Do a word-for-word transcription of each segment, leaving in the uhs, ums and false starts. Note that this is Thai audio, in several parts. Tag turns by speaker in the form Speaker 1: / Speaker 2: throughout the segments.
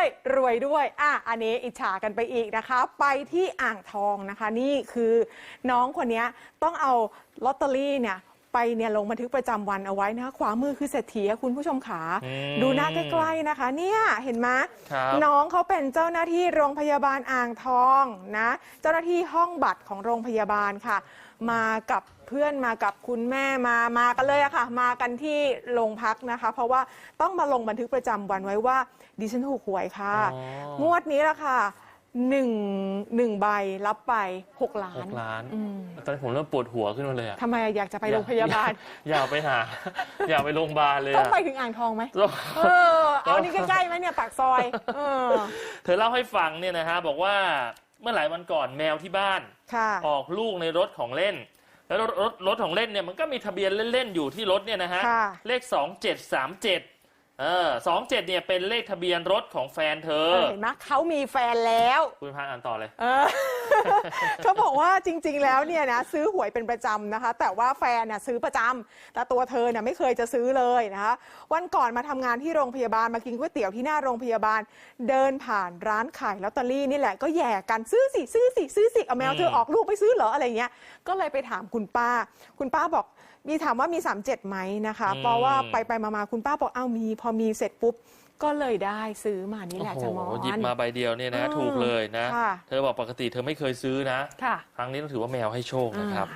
Speaker 1: รวยด้วยอ่ะอันนี้อิจฉากันไปอีกนะคะ ไปที่อ่างทองนะคะ นี่คือน้องคนนี้ต้องเอาลอตเตอรี่เนี่ยไปเนี่ยลงบันทึกประจำวันเอาไว้นะคะขวามือคือเศรษฐีคุณผู้ชมขาดูหน้าใกล้ๆนะคะเนี่ยเห็นไหมน้องเขาเป็นเจ้าหน้าที่โรงพยาบาลอ่างทองนะเจ้าหน้าที่ห้องบัตรของโรงพยาบาลค่ะมากับเพื่อนมากับคุณแม่มามากันเลยอะค่ะมากันที่โรงพักนะคะเพราะว่าต้องมาลงบันทึกประจำวันไว้ว่าดิฉันถูกหวยค่ะงวดนี้ละค่ะหนึ่งหนึ่งใบรับไปหกล้าน
Speaker 2: หกล้านตอนนี้ผมเริ่มปวดหัวขึ้นมาเลยอะ
Speaker 1: ทำไมอยากจะไปโรงพยาบาล
Speaker 2: อยากไปหาอยากไปโรงพยาบาลเลย
Speaker 1: ต้องไปถึงอ่างทองไหมเออเอานี่ใกล้ๆไหมเนี่ยปากซอยเออ
Speaker 2: เธอเล่าให้ฟังเนี่ยนะฮะบอกว่าเมื่อหลายวันก่อนแมวที่บ้านออกลูกในรถของเล่นแล้วรถรถของเล่นเนี่ยมันก็มีทะเบียนเล่นๆอยู่ที่รถเนี่ยนะฮะเลขสองเจ็ดสามเจ็ดเออสองเจ็ดเนี่ยเป็นเลขทะเบียนรถของแฟนเธอ
Speaker 1: เห็นไหมเขามีแฟนแล้ว
Speaker 2: คุณพานอ่านต่อเลย
Speaker 1: เออ เขาบอกว่าจริงๆแล้วเนี่ยนะซื้อหวยเป็นประจำนะคะแต่ว่าแฟนน่ะซื้อประจำแต่ตัวเธอเนี่ยไม่เคยจะซื้อเลยนะคะวันก่อนมาทำงานที่โรงพยาบาลมากินก๋วยเตี๋ยวที่หน้าโรงพยาบาลเดินผ่านร้านขายลอตเตอรี่นี่แหละก็แย่กันซื้อสิซื้อสิซื้อสิเอาแมวเธอออกลูกไปซื้อเหรออะไรเงี้ยก็เลยไปถามคุณป้าคุณป้าบอกมีถามว่ามีสามเจ็ดไหมนะคะเพราะว่าไปไปมาๆคุณป้าบอกเอ้ามีพอมีเสร็จปุ๊บก็เลยได้ซื้อมานี่แหละจะมอง
Speaker 2: หยิบมาใบเดียวเนี่ยนะถูกเลยนะเธอบอกปกติเธอไม่เคยซื้อนะครั้งนี้ต้องถือว่าแมวให้โชคนะครับ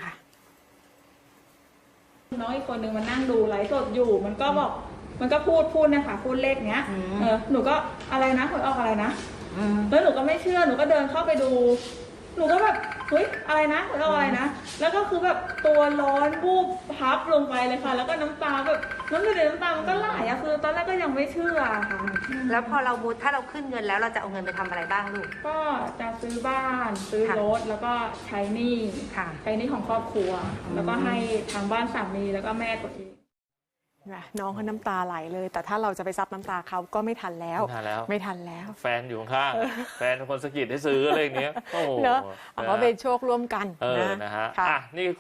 Speaker 3: น้องอีกคนนึงมันนั่งดูไลฟ์สดอยู่มันก็บอกมันก็พูดพูดนะคะพูดเลขเนี้ยเออหนูก็อะไรนะหวยออกอะไรนะแล้วหนูก็ไม่เชื่อหนูก็เดินเข้าไปดูหนูก็แบบเฮ้ยอะไรนะหวยออกอะไรนะแล้วก็คือแบบตัวร้อนบูบพับลงไปเลยค่ะแล้วก็น้ำตาแบบน้ำเดือดน้ำตามันก็ไหลอะคือตอนแรกก็ยังไม่เชื่อค่ะ
Speaker 4: แล้วพอเราบูถ้าเราขึ้นเงินแล้วเราจะเอาเงินไปทำอะไรบ้างลูก
Speaker 3: ก็จะซื้อบ้านซื้อรถแล้วก็ใช้หนี้ใช้หนี้ของครอบครัวแล้วก็ให้ทางบ้านสามีแล้วก็แม่ตัวเอง
Speaker 1: น้องเขาน้ำตาไหลเลยแต่ถ้าเราจะไปซับน้ำตาเขาก็ไม่ทันแล้ว
Speaker 2: ไม่ทันแล้ว
Speaker 1: ไม่ทันแล้ว
Speaker 2: แฟนอยู่ข้างแฟนคนสะกิดให้ซื้ออะไรอย่างเงี้ยโอ้โห
Speaker 1: เนอะเอาเป็นโชคร่วมกัน
Speaker 2: นะนะฮะนี่